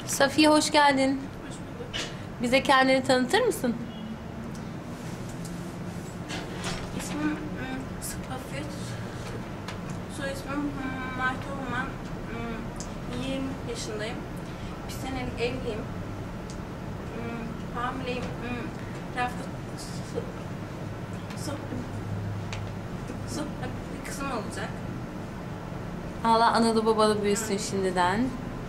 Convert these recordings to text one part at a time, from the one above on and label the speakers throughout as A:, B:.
A: Safiye hoş geldin.
B: Hoş bulduk.
A: Bize kendini tanıtır mısın?
B: İsmim Safiye. Soy ismim Mert Orman. 20 yaşındayım. Bir senelik evliyim. Hamileyim. Hafta bir kızım olacak.
A: Allah analı babalı büyüsün şimdiden.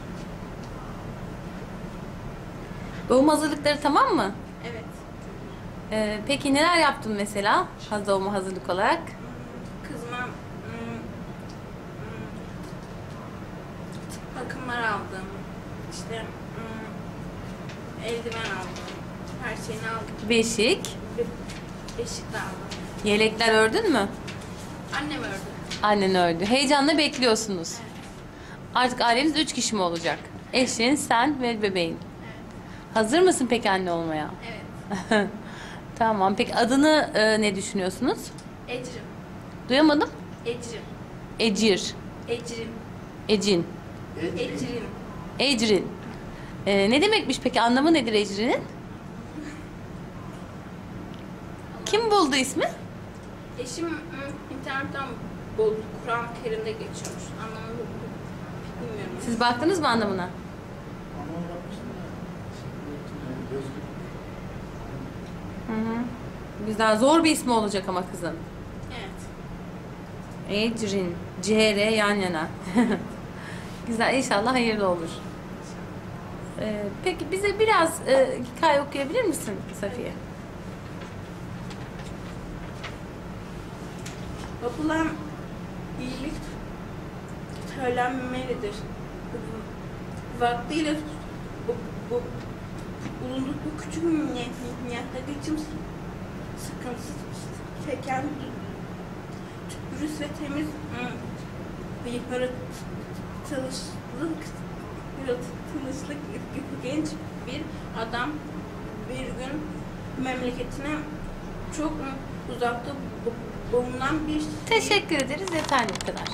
A: Doğum hazırlıkları tamam mı?
B: Evet.
A: Peki neler yaptın mesela doğuma hazırlık olarak?
B: Kızıma bakımlar aldım. İşte eldiven aldım. Her şeyini aldım.
A: Beşik,
B: Beşik de aldım.
A: yelekler ördün mü?
B: Annem ördü.
A: Annen ördü. Heyecanla bekliyorsunuz.
B: Evet.
A: Artık aileniz 3 kişi mi olacak? Eşin, sen ve bebeğin.
B: Evet.
A: Hazır mısın peki anne olmaya?
B: Evet.
A: Tamam. Peki adını ne düşünüyorsunuz?
B: Ecrim.
A: Duyamadım.
B: Ecrim.
A: Ecir,
B: Ecrim.
A: Ecin,
B: Ecrim.
A: Ecrin. Ne demekmiş peki? Anlamı nedir Ecrin'in? Kim buldu ismi?
B: Eşim internetten buldu. Kur'an-ı Kerim'de geçiyormuş. Anlamını bilmiyorum.
A: Siz baktınız mı anlamına? Hı hı. Güzel. Zor bir ismi olacak ama kızın.
B: Evet.
A: Ecrin. CR yan yana. Güzel. İnşallah hayırlı olur. Peki bize biraz hikaye okuyabilir misin Safiye?
B: Yapılan iyilik söylenmelidir. Vaktiyle bulunduk bu küçük niyatta geçim sıkıntısı çeken dürüst ve temiz bir yaratılışlık genç bir adam bir gün memleketine çok uzakta bulunan bir
A: Teşekkür ederiz. Yeterli bu kadar.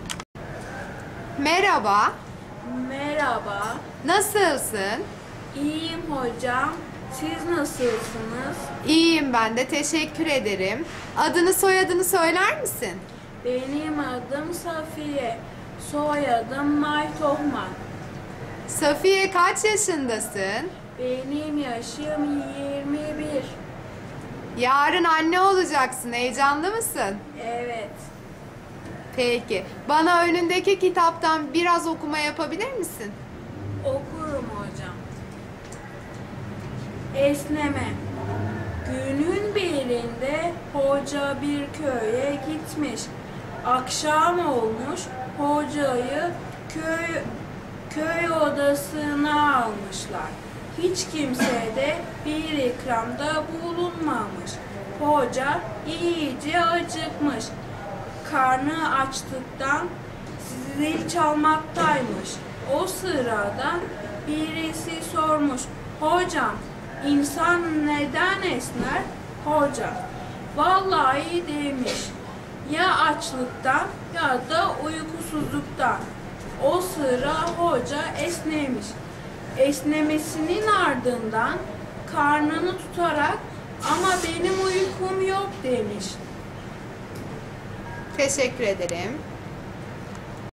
C: Merhaba,
B: Merhaba,
C: nasılsın?
B: iyiyim hocam. Siz nasılsınız?
C: İyiyim ben de, teşekkür ederim. Adını soyadını söyler misin?
B: Benim adım Safiye, soyadım Maytohman.
C: Safiye kaç yaşındasın?
B: Benim yaşım 21.
C: Yarın anne olacaksın, heyecanlı mısın?
B: Evet,
C: Peki, bana önündeki kitaptan biraz okuma yapabilir misin?
B: okurum hocam. Esneme. Günün birinde hoca bir köye gitmiş. Akşam olmuş, hocayı köy odasına almışlar. Hiç kimse de bir ikramda bulunmamış. Hoca iyice acıkmış. Karnı açlıktan zil çalmaktaymış. O sırada birisi sormuş. Hocam, insan neden esner? Hoca, vallahi demiş. Ya açlıktan ya da uykusuzluktan. O sıra hoca esnemiş. Esnemesinin ardından karnını tutarak ama benim uykum yok demiş.
C: Teşekkür ederim.